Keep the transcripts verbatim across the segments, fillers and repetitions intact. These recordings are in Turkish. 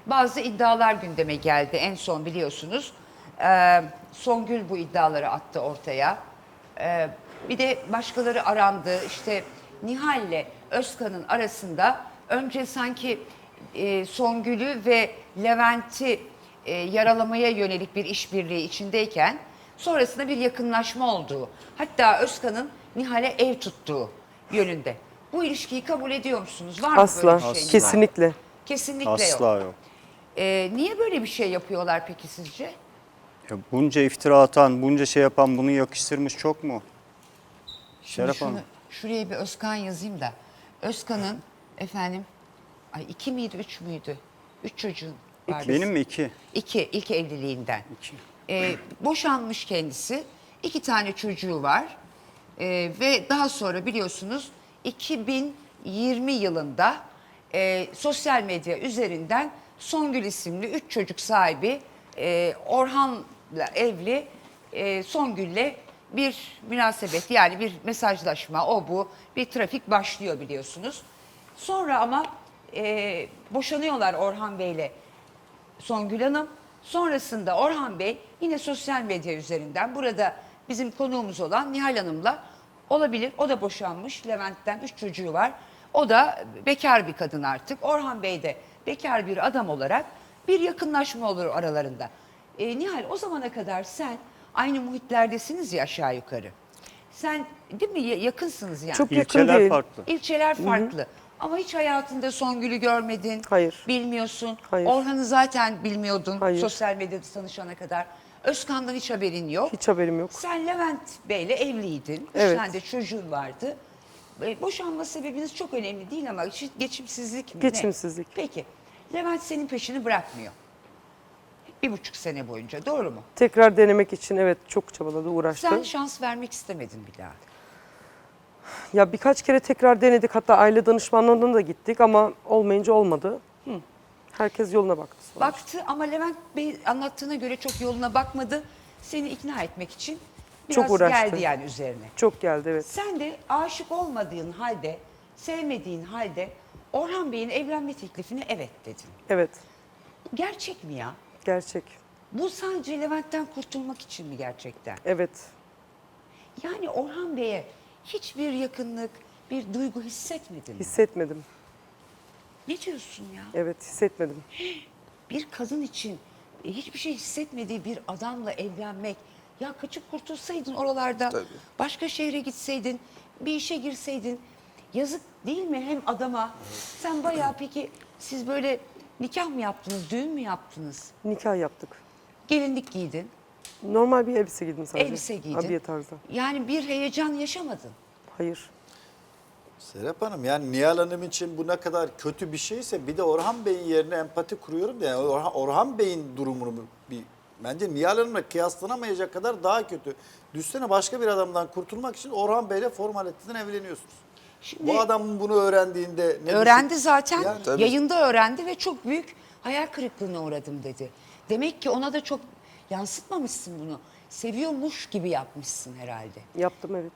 bazı iddialar gündeme geldi. En son biliyorsunuz e, Songül bu iddiaları attı ortaya. E, bir de başkaları arandı. İşte Nihal'le Özkan'ın arasında önce sanki e, Songül'ü ve Levent'i e, yaralamaya yönelik bir işbirliği içindeyken sonrasında bir yakınlaşma olduğu, hatta Özkan'ın Nihal'e ev tuttuğu yönünde. Bu ilişkiyi kabul ediyor musunuz? Var mı Asla, böyle bir şey? Nihal? kesinlikle. Kesinlikle Asla yok. yok. Ee, niye böyle bir şey yapıyorlar peki sizce? Ya bunca iftira atan, bunca şey yapan bunu yakıştırmış çok mu? Şimdi Şeref şunu, Hanım. şuraya bir Özkan yazayım da. Özkan'ın efendim, ay iki miydi, üç müydü? Üç çocuğun vardı. Benim mi iki? İki, ilk evliliğinden. İki. Ee, boşanmış kendisi. İki tane çocuğu var. Ee, ve daha sonra biliyorsunuz iki bin yirmi yılında e, sosyal medya üzerinden Songül isimli üç çocuk sahibi e, Orhan'la evli e, Songül'le bir münasebet, yani bir mesajlaşma, o bu bir trafik başlıyor biliyorsunuz. Sonra ama e, boşanıyorlar Orhan Bey'le Songül Hanım. Sonrasında Orhan Bey yine sosyal medya üzerinden burada bizim konuğumuz olan Nihal Hanım'la olabilir. O da boşanmış. Levent'ten üç çocuğu var. O da bekar bir kadın artık. Orhan Bey de bekar bir adam olarak bir yakınlaşma olur aralarında. E, Nihal, o zamana kadar sen aynı muhitlerdesiniz ya aşağı yukarı. Sen değil mi, yakınsınız yani. Çok yakın İlçeler değil. farklı. İlçeler farklı. Ama hiç hayatında Songül'ü görmedin. Hayır. Bilmiyorsun. Hayır. Orhan'ı zaten bilmiyordun Hayır. sosyal medyada tanışana kadar. Özkan'dan hiç haberin yok. Hiç haberim yok. Sen Levent Bey'le evliydin. Üç Evet. tane de çocuğun vardı. E, Boşanma sebebiniz çok önemli değil ama işte geçimsizlik mi? Geçimsizlik. Ne? Peki. Levent senin peşini bırakmıyor. Bir buçuk sene boyunca, doğru mu? Tekrar denemek için evet çok çabaladı, uğraştı. Sen şans vermek istemedin bir daha. Ya birkaç kere tekrar denedik, hatta aile danışmanlığına da gittik ama olmayınca olmadı. Herkes yoluna baktı sonra. Baktı ama Levent Bey anlattığına göre çok yoluna bakmadı. Seni ikna etmek için biraz Çok uğraştı. geldi yani üzerine. Çok geldi, evet. Sen de aşık olmadığın halde, sevmediğin halde Orhan Bey'in evlenme teklifine evet dedin. Evet, Gerçek mi ya? gerçek. Bu sadece Levent'ten kurtulmak için mi gerçekten? Evet. Yani Orhan Bey'e hiçbir yakınlık, bir duygu hissetmedin mi? Hissetmedim. Ne diyorsun ya? Evet, hissetmedim. Bir kadın için e, hiçbir şey hissetmediği bir adamla evlenmek, ya kaçıp kurtulsaydın oralarda, başka şehre gitseydin, bir işe girseydin, yazık değil mi hem adama? Sen bayağı, peki siz böyle nikah mı yaptınız, düğün mü yaptınız? Nikah yaptık. Gelinlik giydin, Normal bir elbise giydim sadece. elbise giydin. Abiye tarzı. Yani bir heyecan yaşamadın. Hayır. Serap Hanım, yani Nihal Hanım için bu ne kadar kötü bir şeyse bir de Orhan Bey'in yerine empati kuruyorum da yani Orhan, Orhan Bey'in durumunu bir bence Nihal Hanım'la kıyaslanamayacak kadar daha kötü. Düşsene, başka bir adamdan kurtulmak için Orhan Bey'le formaliteden evleniyorsunuz. Şimdi Bu adamın bunu öğrendiğinde ne öğrendi düşün- zaten, Yani- Tabii. yayında öğrendi ve çok büyük hayal kırıklığına uğradım dedi. Demek ki ona da çok yansıtmamışsın bunu. Seviyormuş gibi yapmışsın herhalde. Yaptım, evet.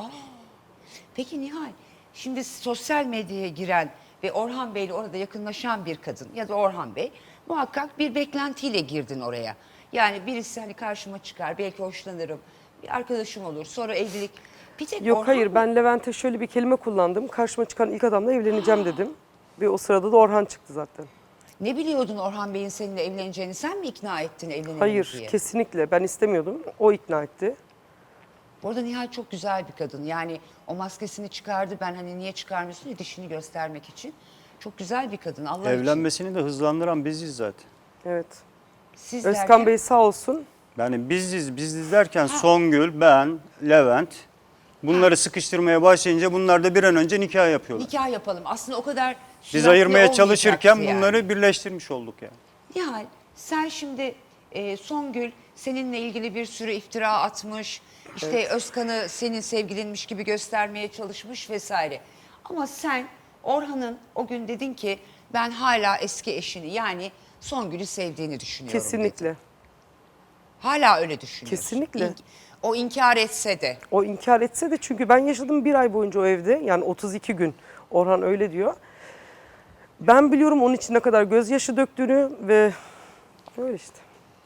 Peki Nihal, şimdi sosyal medyaya giren ve Orhan Bey'le orada yakınlaşan bir kadın ya da Orhan Bey muhakkak bir beklentiyle girdin oraya. Yani birisi hani karşıma çıkar, belki hoşlanırım, bir arkadaşım olur, sonra evlilik. Bir tek Yok Orhan hayır, mı? ben Levent'e şöyle bir kelime kullandım. Karşıma çıkan ilk adamla evleneceğim dedim. Ve o sırada da Orhan çıktı zaten. Ne biliyordun Orhan Bey'in seninle evleneceğini? Sen mi ikna ettin evlenelim Hayır, diye? kesinlikle. Ben istemiyordum. O ikna etti. Bu arada Nihal çok güzel bir kadın. Yani o maskesini çıkardı. Ben hani niye çıkarmıyorsun diye, dişini göstermek için. Çok güzel bir kadın. Allah için. Evlenmesini de hızlandıran biziz zaten. Evet. Siz Özkan derken, Bey sağ olsun. Yani biziz, biziz derken Songül, ben, Levent bunları sıkıştırmaya başlayınca bunlar da bir an önce nikah yapıyorlar. nikah yapalım. Aslında o kadar Biz süratli ayırmaya olmayacaktı çalışırken yani. bunları birleştirmiş olduk yani. Nihal, sen şimdi e, Songül seninle ilgili bir sürü iftira atmış. İşte Özkan'ı senin sevgilinmiş gibi göstermeye çalışmış vesaire. Ama sen Orhan'ın o gün dedin ki ben hala eski eşini, yani Songül'ü sevdiğini düşünüyorum dedin. Kesinlikle. Hala öyle düşünüyorsun. Kesinlikle. İnk- o inkar etse de. O inkar etse de, çünkü ben yaşadım bir ay boyunca o evde. Yani otuz iki gün. Orhan öyle diyor. Ben biliyorum onun için ne kadar gözyaşı döktüğünü ve öyle işte.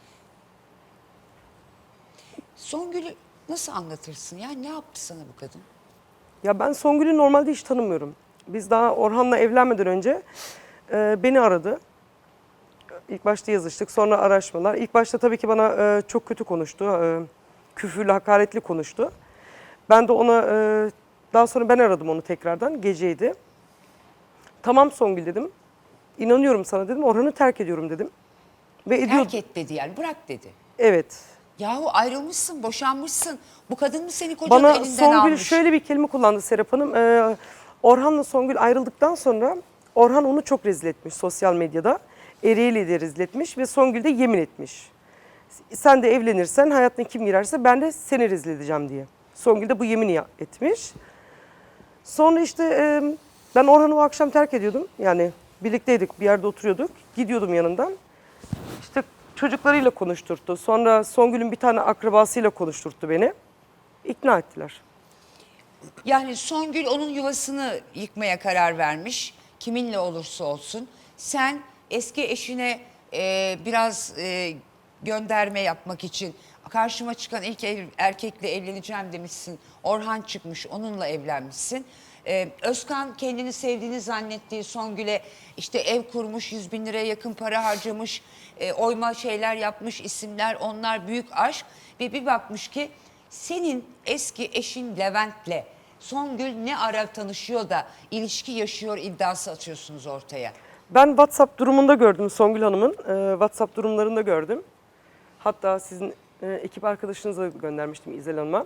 Songül'ü nasıl anlatırsın? Ya ne yaptı sana bu kadın? Ya ben Songül'ü normalde hiç tanımıyorum. Biz daha Orhan'la evlenmeden önce e, beni aradı. İlk başta yazıştık, sonra araşmalar. İlk başta tabii ki bana e, çok kötü konuştu. E, küfürlü, hakaretli konuştu. Ben de ona, e, daha sonra ben aradım onu tekrardan, geceydi. Tamam Songül dedim. İnanıyorum sana dedim. Orhan'ı terk ediyorum dedim. Ve ediyor. Terk et dedi yani, bırak dedi. Evet. Yahu ayrılmışsın, boşanmışsın. Bu kadın mı seni kocanın Bana elinden Songül almış? şöyle bir kelime kullandı Serap Hanım. Ee, Orhan'la Songül ayrıldıktan sonra Orhan onu çok rezil etmiş sosyal medyada. Eriyle de rezil etmiş ve Songül de yemin etmiş. Sen de evlenirsen hayatına kim girerse ben de seni rezil edeceğim diye. Songül de bu yemini ya- etmiş. Sonra işte e, ben Orhan'ı o akşam terk ediyordum. Yani birlikteydik, bir yerde oturuyorduk. Gidiyordum yanından. İşte çocuklarıyla konuşturttu. Sonra Songül'ün bir tane akrabasıyla konuşturttu beni. İkna ettiler. Yani Songül onun yuvasını yıkmaya karar vermiş. Kiminle olursa olsun. Sen eski eşine e, biraz e, gönderme yapmak için karşıma çıkan ilk ev- erkekle evleneceğim demişsin. Orhan çıkmış, onunla evlenmişsin. Ee, Özkan kendini sevdiğini zannettiği Songül'e işte ev kurmuş, yüz bin liraya yakın para harcamış, e, oyma şeyler yapmış, isimler, onlar büyük aşk. Ve bir bakmış ki senin eski eşin Levent'le Songül ne ara tanışıyor da ilişki yaşıyor iddiası atıyorsunuz ortaya. Ben WhatsApp durumunda gördüm Songül Hanım'ın. Ee, WhatsApp durumlarında gördüm. Hatta sizin e, ekip arkadaşınıza göndermiştim İzel Hanım'a.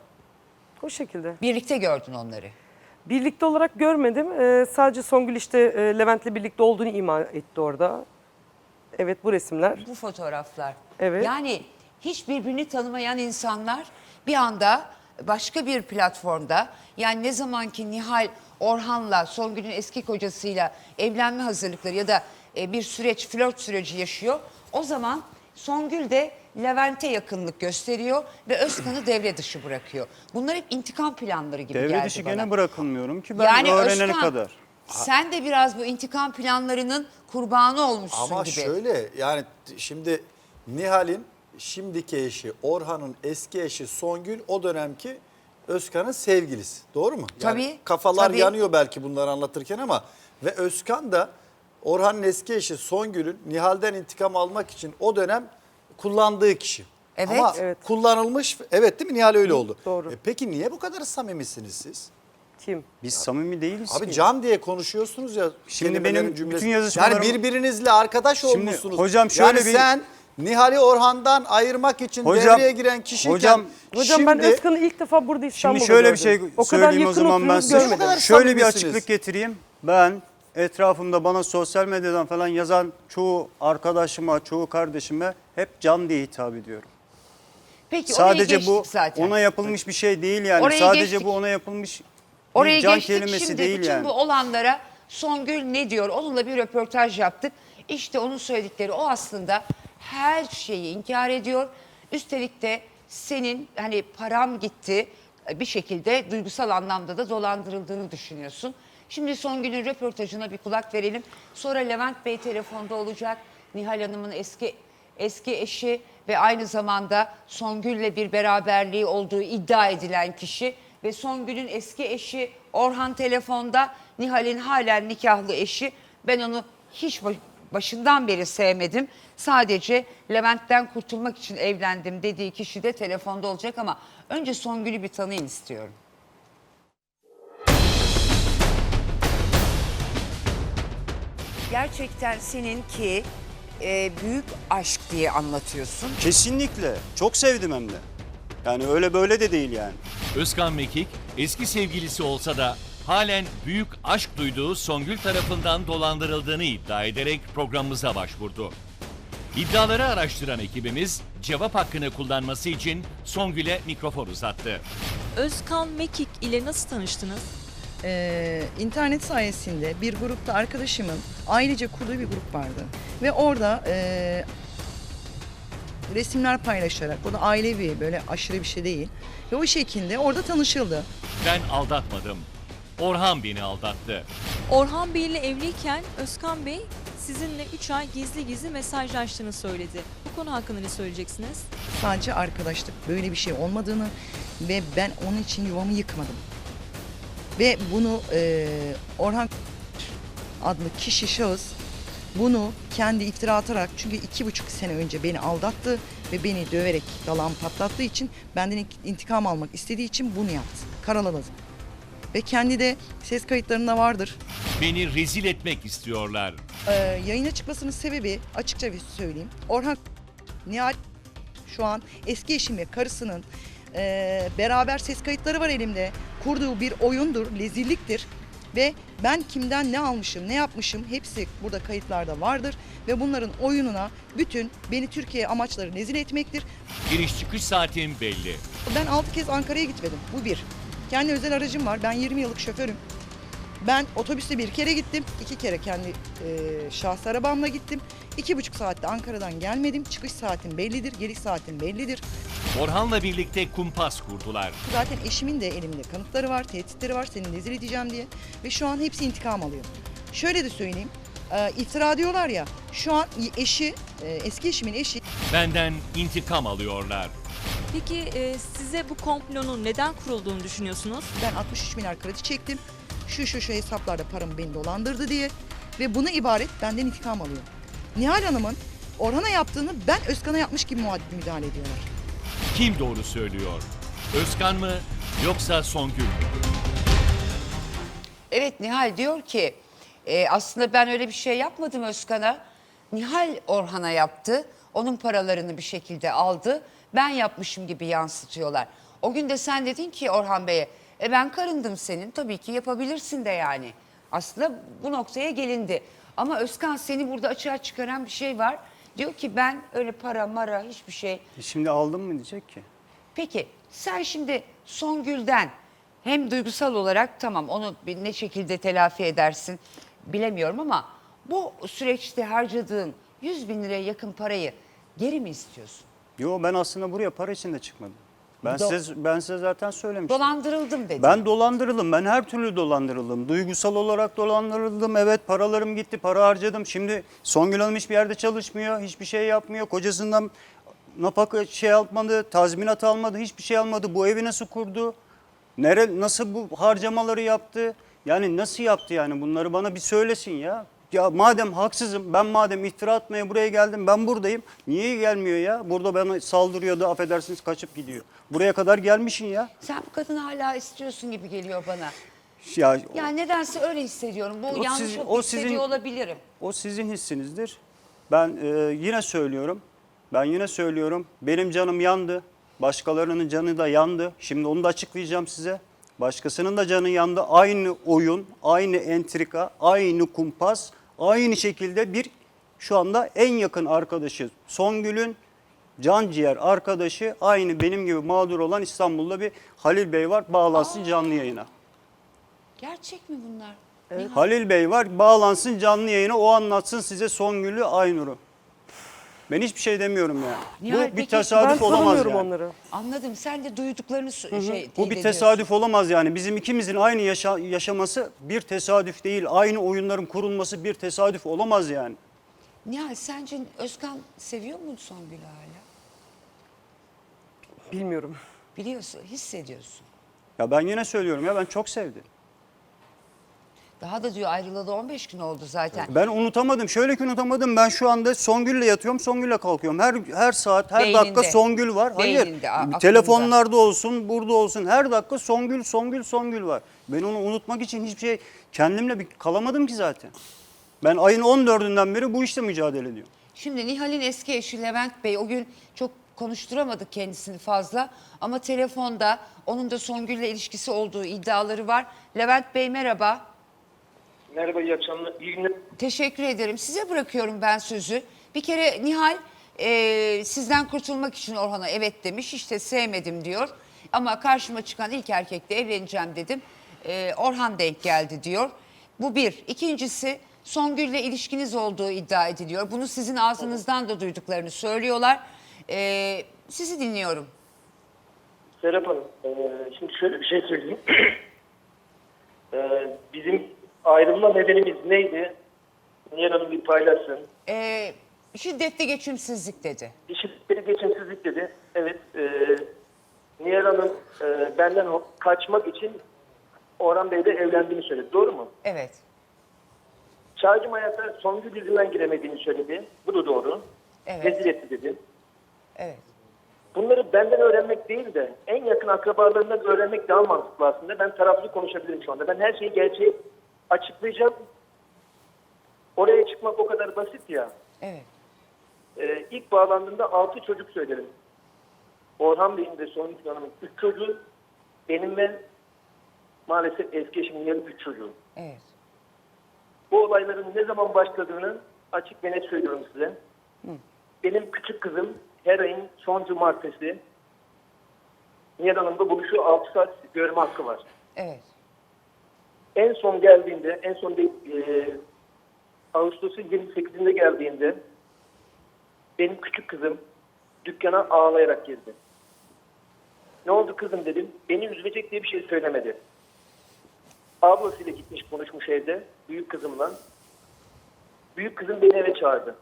O şekilde. Birlikte gördün onları. Birlikte olarak görmedim. Ee, sadece Songül işte e, Levent'le birlikte olduğunu ima etti orada. Evet, bu resimler. Bu fotoğraflar. Evet. Yani hiç birbirini tanımayan insanlar bir anda başka bir platformda, yani ne zaman ki Nihal Orhan'la, Songül'ün eski kocasıyla evlenme hazırlıkları ya da e, bir süreç, flört süreci yaşıyor. O zaman Songül de Levent'e yakınlık gösteriyor ve Özkan'ı devre dışı bırakıyor. Bunlar hep intikam planları gibi geldi Devre dışı bana. gene bırakılmıyorum ki ben Yani öğrenene Özkan, kadar. sen de biraz bu intikam planlarının kurbanı olmuşsun Ama gibi. şöyle yani şimdi Nihal'in şimdiki eşi Orhan'ın eski eşi Songül o dönemki Özkan'ın sevgilisi. Doğru mu? Yani Tabii, kafalar tabii. yanıyor belki bunları anlatırken ama ve Özkan da Orhan'ın eski eşi Songül'ün Nihal'den intikam almak için o dönem kullandığı kişi. Evet. Ama Evet. kullanılmış, evet değil mi? Nihal öyle oldu. Doğru. E peki niye bu kadar samimisiniz siz? Kim? Biz samimi değiliz Abi ki. can diye konuşuyorsunuz ya. Şimdi kelimelerin benim cümlesi. bütün yazışmalarım- Yani birbirinizle arkadaş Şimdi olmuşsunuz. hocam şöyle yani bir- sen Nihal'i Orhan'dan ayırmak için Hocam- devreye giren kişiyken hocam- Hocam ben şimdi Özkan'ı ilk defa burada İstanbul'da Şimdi şöyle bir gördüm. şey O kadar söyleyeyim o yakın zaman ben oturuyoruz, size. görmedim. Bu kadar Şöyle bir samimisiniz. açıklık getireyim. Ben etrafımda bana sosyal medyadan falan yazan çoğu arkadaşıma, çoğu kardeşime hep can diye hitap ediyorum. Peki orayı Sadece geçtik bu zaten. ona yapılmış bir şey değil yani. Orayı Sadece geçtik. bu ona yapılmış Oraya bir can geçtik. kelimesi Şimdi değil bütün yani. bu olanlara Songül ne diyor? Onunla bir röportaj yaptık. İşte onun söyledikleri o aslında her şeyi inkar ediyor. Üstelik de senin hani param gitti bir şekilde duygusal anlamda da dolandırıldığını düşünüyorsun. Şimdi Songül'ün röportajına bir kulak verelim. Sonra Levent Bey telefonda olacak. Nihal Hanım'ın eski eski eşi ve aynı zamanda Songül'le bir beraberliği olduğu iddia edilen kişi ve Songül'ün eski eşi Orhan telefonda, Nihal'in halen nikahlı eşi. Ben onu hiç baş- başından beri sevmedim. Sadece Levent'ten kurtulmak için evlendim dediği kişi de telefonda olacak ama önce Songül'ü bir tanıyın istiyorum. Gerçekten seninki e, büyük aşk diye anlatıyorsun. Kesinlikle. Çok sevdim hem de. Yani öyle böyle de değil yani. Özkan Mekik eski sevgilisi olsa da halen büyük aşk duyduğu Songül tarafından dolandırıldığını iddia ederek programımıza başvurdu. İddiaları araştıran ekibimiz cevap hakkını kullanması için Songül'e mikrofon uzattı. Özkan Mekik ile nasıl tanıştınız? Ee, internet sayesinde bir grupta arkadaşımın ailece kurduğu bir grup vardı. Ve orada e, resimler paylaşarak, o da ailevi böyle aşırı bir şey değil. Ve o şekilde orada tanışıldı. Ben aldatmadım. Orhan beni aldattı. Orhan Bey ile evliyken Özkan Bey sizinle üç ay gizli gizli mesajlaştığını söyledi. Bu konu hakkında ne söyleyeceksiniz? Sadece arkadaşlık, böyle bir şey olmadığını ve ben onun için yuvamı yıkmadım. Ve bunu e, Orhan adlı kişi, şahıs bunu kendi iftira atarak, çünkü iki buçuk sene önce beni aldattı ve beni döverek dalağımı patlattığı için, benden intikam almak istediği için bunu yaptı. Karaladı. Ve kendi de ses kayıtlarında vardır. Beni rezil etmek istiyorlar. Ee, yayına çıkmasının sebebi, açıkça bir söyleyeyim, Orhan Nihal şu an eski eşim ve karısının e, beraber ses kayıtları var elimde. Kurduğu bir oyundur, rezilliktir. Ve ben kimden ne almışım, ne yapmışım hepsi burada kayıtlarda vardır. Ve bunların oyununa bütün beni Türkiye amaçları rezil etmektir. Giriş çıkış saatim belli. Ben altı kez Ankara'ya gitmedim. Bu bir. Kendi özel aracım var. Ben yirmi yıllık şoförüm. Ben otobüste bir kere gittim. iki kere kendi e, şahsi arabamla gittim. İki buçuk saatte Ankara'dan gelmedim. Çıkış saatim bellidir, geliş saatim bellidir. Orhan'la birlikte kumpas kurdular. Zaten eşimin de elimde kanıtları var, tehditleri var, seni rezil edeceğim diye. Ve şu an hepsi intikam alıyor. Şöyle de söyleyeyim, e, iftira diyorlar ya, şu an eşi, e, eski eşimin eşi... Benden intikam alıyorlar. Peki e, size bu komplonun neden kurulduğunu düşünüyorsunuz? Ben altmış üç milyar kredi çektim. Şu şu şu hesaplarda paramı beni dolandırdı diye. Ve buna ibaret benden intikam alıyor. Nihal Hanım'ın Orhan'a yaptığını ben Özkan'a yapmış gibi müdahale ediyorlar. Kim doğru söylüyor? Özkan mı yoksa Songül mü? Evet, Nihal diyor ki e, aslında ben öyle bir şey yapmadım Özkan'a. Nihal Orhan'a yaptı. Onun paralarını bir şekilde aldı. Ben yapmışım gibi yansıtıyorlar. O gün de sen dedin ki Orhan Bey'e, e ben karındım senin, tabii ki yapabilirsin de yani. Aslında bu noktaya gelindi. Ama Özkan, seni burada açığa çıkaran bir şey var. Diyor ki ben öyle para mara hiçbir şey. E şimdi aldım mı diyecek ki. Peki sen şimdi Songül'den hem duygusal olarak, tamam, onu bir ne şekilde telafi edersin bilemiyorum, ama bu süreçte harcadığın yüz bin liraya yakın parayı geri mi istiyorsun? Yo, ben aslında buraya para için de çıkmadım. Ben Do- size ben size zaten söylemiştim. Dolandırıldım dedi. Ben dolandırıldım. Ben her türlü dolandırıldım. Duygusal olarak dolandırıldım. Evet, paralarım gitti. Para harcadım. Şimdi Songül Hanım hiçbir yerde çalışmıyor. Hiçbir şey yapmıyor. Kocasından nafaka şey almadı. Tazminat almadı. Hiçbir şey almadı. Bu evi nasıl kurdu? Nere, nasıl bu harcamaları yaptı? Yani nasıl yaptı yani? Bunları bana bir söylesin ya. Ya madem haksızım, ben madem iftira atmaya buraya geldim, ben buradayım. Niye gelmiyor ya? Burada bana saldırıyordu, affedersiniz, kaçıp gidiyor. Buraya kadar gelmişsin ya. Sen bu kadını hala istiyorsun gibi geliyor bana. Ya Ya nedense öyle hissediyorum. Bu O yanlış sizin- çok o hissediyor sizin- olabilirim. o sizin hissinizdir. Ben e, yine söylüyorum. Ben yine söylüyorum. Benim canım yandı. Başkalarının canı da yandı. Şimdi onu da açıklayacağım size. Başkasının da canı yandı. Aynı oyun, aynı entrika, aynı kumpas, aynı şekilde bir şu anda en yakın arkadaşı Songül'ün can ciğer arkadaşı, aynı benim gibi mağdur olan İstanbul'da bir Halil Bey var. Bağlansın canlı yayına. Gerçek mi bunlar? Halil Bey var, bağlansın canlı yayına, o anlatsın size Songül'ü, Aynur'u. Ben hiçbir şey demiyorum yani. Nihal, Bu bir peki, Ben tesadüf olamaz tanımıyorum yani. onları. Anladım. Sen de duyduklarını sö- şey Bu teyit bir ediyorsun. tesadüf olamaz yani. Bizim ikimizin aynı yaşa- yaşaması bir tesadüf değil. Aynı oyunların kurulması bir tesadüf olamaz yani. Nihal, sence Özkan seviyor mu Songül'ü hala? Bilmiyorum. Biliyorsun, hissediyorsun. Ya ben yine söylüyorum ya, ben çok sevdim. Daha da diyor ayrılalı on beş gün oldu zaten. Ben unutamadım. Şöyle ki unutamadım. Ben şu anda Songül'le yatıyorum, Songül'le kalkıyorum. Her her saat, her Beyninde. dakika Songül var. Hayır. Beyninde, a- aklında. Telefonlarda olsun, burada olsun. Her dakika Songül, Songül, Songül var. Ben onu unutmak için hiçbir şey kendimle bir kalamadım ki zaten. Ben ayın on dördünden beri bu işte mücadele ediyorum. Şimdi Nihal'in eski eşi Levent Bey, o gün çok konuşturamadık kendisini fazla. Ama telefonda onun da Songül'le ilişkisi olduğu iddiaları var. Levent Bey merhaba. Merhaba, iyi akşamlar. İyi günler. Teşekkür ederim. Size bırakıyorum ben sözü. Bir kere Nihal e, sizden kurtulmak için Orhan'a evet demiş. İşte sevmedim diyor. Ama karşıma çıkan ilk erkekle evleneceğim dedim. E, Orhan denk geldi diyor. Bu bir. İkincisi, Songül'le ilişkiniz olduğu iddia ediliyor. Bunu sizin ağzınızdan da duyduklarını söylüyorlar. E, sizi dinliyorum. Serap Hanım, e, şimdi şöyle bir şey söyleyeyim. e, bizim ayrılma nedenimiz neydi? Nihal Hanım bir paylaşsın. Ee, şiddetli geçimsizlik dedi. Şiddetli geçimsizlik dedi. Evet. E, Nihal Hanım e, benden ho- kaçmak için Orhan Bey'le evlendiğini söyledi. Doğru mu? Evet. Çağcım hayata Songül yüzünden giremediğini söyledi. Bu da doğru. Evet. Rezil etti dedi. Evet. Bunları benden öğrenmek değil de en yakın akrabalarından öğrenmek daha mantıklı aslında. Ben taraflı konuşabilirim şu anda. Ben her şeyi gerçeği açıklayacağım. Oraya çıkmak o kadar basit ya. Evet. Ee, ilk bağlandığımda altı çocuk söylerim. Orhan Bey'in de Songül Hanım'ın üç çocuğu. Benim ve maalesef eski eşimin yarı üç çocuğu. Evet. Bu olayların ne zaman başladığını açık ve net söylüyorum size. Hı. Benim küçük kızım her ayın son cumartesi Nihal Hanım'da buluşu altı saat görme hakkı var. Evet. En son geldiğinde, en son de, e, Ağustos'un yirmi sekizinde geldiğinde benim küçük kızım dükkana ağlayarak girdi. Ne oldu kızım dedim. Beni üzülecek diye bir şey söylemedi. Ablasıyla gitmiş konuşmuş evde büyük kızımla. Büyük kızım beni eve çağırdı.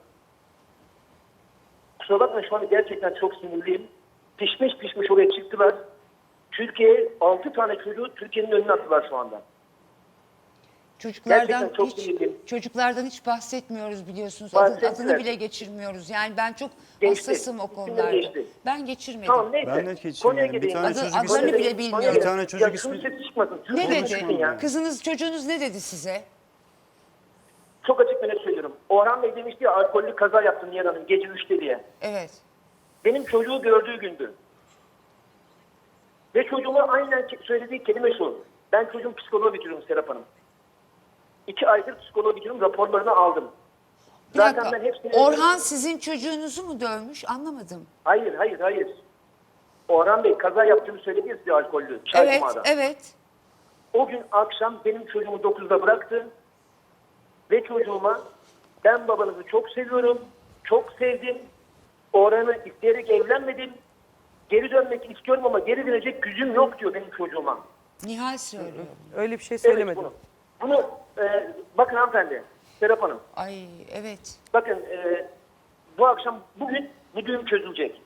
Kusura bakma şu anda gerçekten çok sinirliyim. Pişmiş pişmiş oraya çıktılar. Türkiye'ye altı tane çocuğu Türkiye'nin önüne attılar şu anda. Çocuklardan Gerçekten çok hiç sinirliyim. çocuklardan hiç bahsetmiyoruz biliyorsunuz. Adın- Bahsettiler. adını bile geçirmiyoruz. Yani ben çok Geçti. hassasım o İsimleri konularda. geçti. Ben geçirmedim. Tamam neyse. Ben de geçirmedim. Konuya Bir gideyim. tane Adı- çocuk adlarını ismi- bile bilmiyorum. Bir tane çocuk ya, ismi- şunun sesi çıkmasın. Çok Ne konuşmayın dedi? ya. Kızınız, çocuğunuz ne dedi size? Çok açık ve net söylüyorum. Orhan Bey demişti ya alkollü kaza yaptım Nihal Hanım gece üçte diye. Evet. Benim çocuğu gördüğü gündü. Ve çocuğuma aynen ke- söylediği kelime şu. Ben çocuğum psikoloğu bitiriyorum Serap Hanım. İki aydır psikoloğu bitiriyorum raporlarını aldım. Bir Zaten dakika. ben hepsini... Orhan sizin çocuğunuzu mu dövmüş? Anlamadım. Hayır hayır hayır. Orhan Bey kaza yaptığını söyledi ya size alkollü. Evet, Çaycıma'da. evet. O gün akşam benim çocuğumu dokuzda bıraktı. Ve çocuğuma ben babanızı çok seviyorum. Çok sevdim. Orhan'ı isteyerek evlenmedim. Geri dönmek istiyorum ama geri dönecek gücüm yok diyor benim çocuğuma. Nihal söylüyor. Öyle bir şey Evet, söylemedim. bunu. Bunu e, bakın hanımefendi, Serap Hanım. Ay evet. Bakın e, bu akşam bugün bu düğün çözülecek.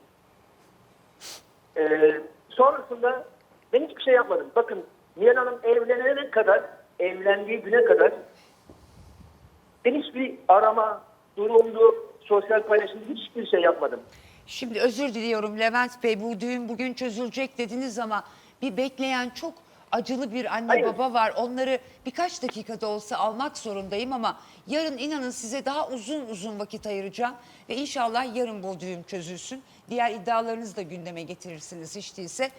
E, sonrasında ben hiçbir şey yapmadım. Bakın Nihal Hanım evlenene kadar, evlendiği güne kadar ben hiçbir arama, durumdu, sosyal paylaşım hiçbir şey yapmadım. Şimdi özür diliyorum Levent Bey, bu düğün bugün çözülecek dediniz ama bir bekleyen çok acılı bir anne Hayır. baba var. Onları birkaç dakikada olsa almak zorundayım ama yarın inanın size daha uzun uzun vakit ayıracağım. Ve inşallah yarın bu düğün çözülsün. Diğer iddialarınızı da gündeme getirirsiniz hiç değilse.